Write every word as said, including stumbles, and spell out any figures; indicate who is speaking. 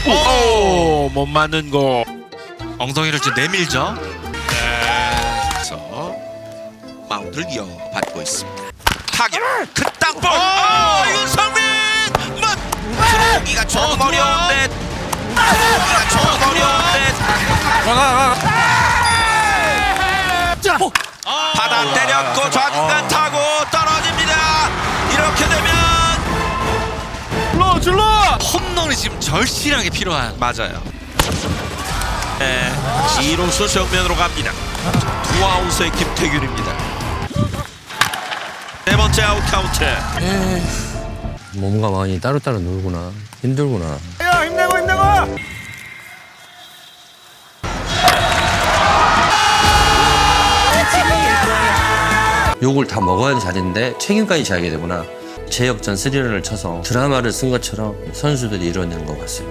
Speaker 1: 오, 못 맞는 거. 엉덩이를 좀 내밀죠. 네.
Speaker 2: 그래서 마운드를 이어받고 있습니다. 타격 그 땅볼. 아, 윤성민 맞. 들어오기가 조금 어려운데. 들어오기가 조금 어려운데. 받아 때렸고 좌중간 타고 떨어집니다. 이렇게 되면
Speaker 1: 줄러 줄러. 홈런이 지금 절실하게 필요한.
Speaker 2: 맞아요. 네, 이루수 정면으로 갑니다. 두 아웃의 김태균입니다. 네 번째 아웃 카운트.
Speaker 3: 몸과 마음이 따로따로 놀구나. 힘들구나.
Speaker 1: 야, 힘내고 힘내고.
Speaker 3: 욕을 다 먹어야 잘했는데 책임까지 져야 되구나. 제역전 스리런을 쳐서 드라마를 쓴 것처럼 선수들이 이뤄낸 것 같습니다.